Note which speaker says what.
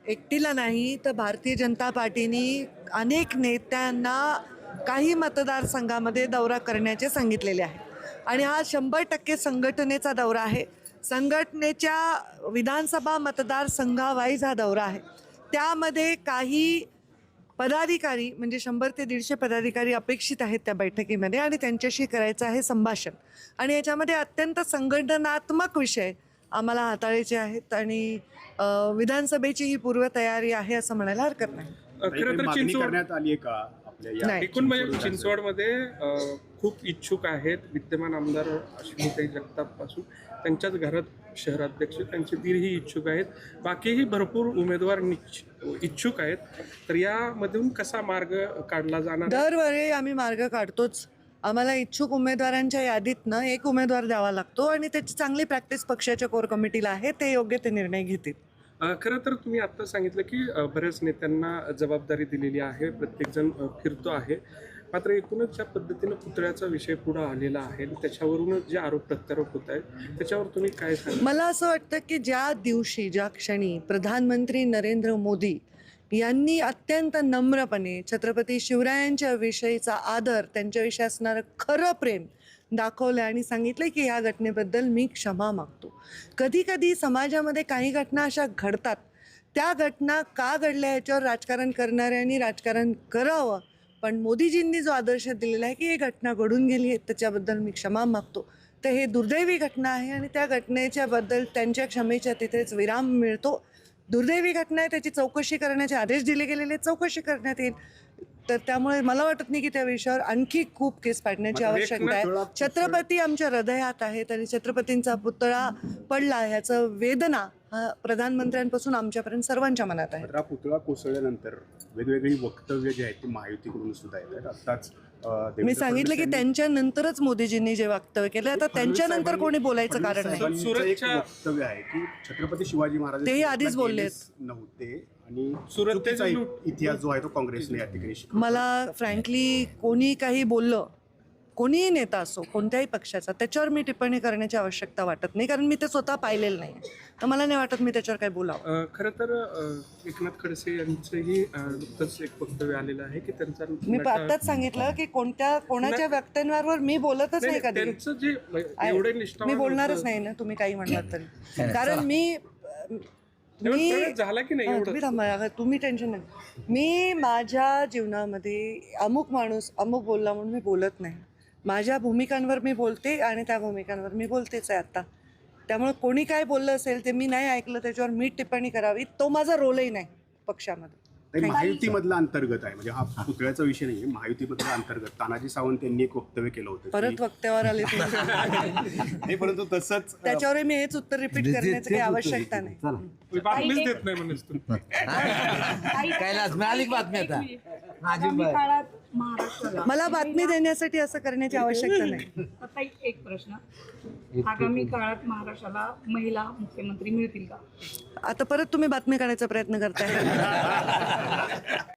Speaker 1: एकटीला नाही तर भारतीय जनता पार्टीने अनेक नेत्यांना काही मतदारसंघामध्ये दौरा करण्याचे सांगितलेले आहे आणि हा 100% संघटनेचा दौरा आहे. संघटनेच्या विधानसभा मतदारसंघावाईज हा दौरा आहे. त्यामध्ये काही पदाधिकारी म्हणजे 100 ते 150 पदाधिकारी अपेक्षित आहेत त्या बैठकीमध्ये आणि त्यांच्याशी करायचं आहे संभाषण. आणि याच्यामध्ये अत्यंत संघटनात्मक विषय आम्हाला हाताळायचे आहेत आणि विधानसभेची ही पूर्वतयारी आहे असं म्हणायला हरकत नाही.
Speaker 2: खरं तर चिंचवड
Speaker 3: करण्यात आली आहे का आपल्या या
Speaker 2: एकूण म्हणजे चिंचवडमध्ये खूप इच्छुक आहेत. विद्यमान आमदार अश्विनीताई जगताप पासून त्यांच्याच घरात शहराध्यक्ष त्यांचे दीरही इच्छुक आहेत. बाकीही भरपूर उमेदवार इच्छुक आहेत. तर यामधून कसा मार्ग काढला जाणार?
Speaker 1: दरवेळी आम्ही मार्ग काढतोच. आम्हाला इच्छुक उमेदवारांच्या यादीतनं एक उमेदवार द्यावा लागतो आणि त्याची चांगली प्रॅक्टिस पक्षाच्या कोर कमिटीला आहे. ते योग्य ते निर्णय घेतील.
Speaker 2: खरं तर तुम्ही आत्ता सांगितलं की बऱ्याच नेत्यांना जबाबदारी दिलेली आहे, प्रत्येकजण फिरतो आहे. मात्र एकूणच ज्या पद्धतीनं पुतळ्याचा विषय पुढे आलेला आहे त्याच्यावरूनच जे आरोप प्रत्यारोप होत आहेत त्याच्यावर तुम्ही काय सांगा?
Speaker 1: मला असं वाटतं की ज्या दिवशी ज्या क्षणी प्रधानमंत्री नरेंद्र मोदी यांनी अत्यंत नम्रपणे छत्रपती शिवरायांच्या विषयीचा आदर, त्यांच्याविषयी असणारं खरं प्रेम दाखवलं आणि सांगितलं की या घटनेबद्दल मी क्षमा मागतो. कधी कधी समाजामध्ये काही घटना अशा घडतात, त्या घटना का घडल्या याच्यावर राजकारण करणाऱ्यांनी राजकारण करावं. पण मोदीजींनी जो आदर्श दिलेला आहे की ही घटना घडून गेली आहे त्याच्याबद्दल मी क्षमा मागतो, तर हे दुर्दैवी घटना आहे आणि त्या घटनेच्याबद्दल त्यांच्या क्षमेच्या तिथेच विराम मिळतो. दुर्दैवी घटना आहे, त्याची चौकशी करण्याचे आदेश दिले गेलेले, चौकशी करण्यात येईल. तर त्यामुळे मला वाटत नाही की त्या विषयावर आणखी खूप केस पाडण्याची आवश्यकता आहे. छत्रपती आमच्या हृदयात आहेत आणि छत्रपतींचा पुतळा पडला ह्याचं वेदना हा प्रधानमंत्र्यांपासून आमच्यापर्यंत सर्वांच्या मनात आहे.
Speaker 3: पुतळा कोसळल्यानंतर वेगवेगळी वक्तव्य जी आहेत ती महायुतीकडून सुद्धा येतात. आत्ताच
Speaker 1: मी सांगितलं की त्यांच्यानंतरच मोदीजींनी जे वक्तव्य केलं, आता त्यांच्यानंतर कोणी बोलायचं कारण नाही.
Speaker 2: सुरतच्या
Speaker 3: वक्तव्य आहे की छत्रपती शिवाजी महाराज
Speaker 1: तेही आधीच बोलले
Speaker 3: नव्हते आणि
Speaker 2: सुरतचा
Speaker 3: इतिहास जो आहे तो काँग्रेसने या ठिकाणी शिकवला.
Speaker 1: मला फ्रँकली कोणी काही बोललं, कोणीही नेता असो कोणत्याही पक्षाचा, त्याच्यावर मी टिप्पणी करण्याची आवश्यकता वाटत नाही, कारण मी ते स्वतः पाहिलेलं नाही. तर मला नाही वाटत मी त्याच्यावर काही बोलावं.
Speaker 2: खरं तर एकनाथ खडसे यांचंही नुकतंच एक वक्तव्य आलेलं आहे की त्यांचा
Speaker 1: मी आत्ताच सांगितलं की कोणाच्या व्यक्तींवर मी बोलतच नाही कधी.
Speaker 2: त्यांचं जे एवढे
Speaker 1: मी बोलणारच नाही ना, तुम्ही काही म्हणलात तरी. कारण मी
Speaker 2: झाला की नाही
Speaker 1: तुम्ही थांबा, तुम्ही टेन्शन नाही. मी माझ्या जीवनामध्ये अमुक माणूस अमुक बोलला म्हणून मी बोलत नाही. माझ्या भूमिकांवर मी बोलते आणि त्या भूमिकांवर मी बोलतेच आहे आता. त्यामुळे कोणी काय बोललं असेल ते मी नाही ऐकलं, त्याच्यावर मी टिप्पणी करावी, तो माझा रोलही नाही पक्षामध्ये.
Speaker 3: महायुतीमधला अंतर्गत आहे, म्हणजे हा पुतळ्याचा विषय नाही, महायुतीमधला अंतर्गत तानाजी सावंत यांनी एक वक्तव्य केलं होतं.
Speaker 1: परत वक्त्यावर आले
Speaker 3: नाही, परंतु तसंच
Speaker 1: त्याच्यावर मी हेच उत्तर रिपीट करण्याची काही आवश्यकता नाही.
Speaker 2: बातमीच देत नाही म्हणून
Speaker 4: कैलास मिळाली बातमी आता.
Speaker 5: आगामी काळात महाराष्ट्राला
Speaker 1: मला बातमी देण्यासाठी असं करण्याची आवश्यकता नाही.
Speaker 5: आता एक प्रश्न, आगामी काळात महाराष्ट्राला महिला मुख्यमंत्री मिळतील का?
Speaker 1: आता परत तुम्ही बातमी काढायचा प्रयत्न करताय.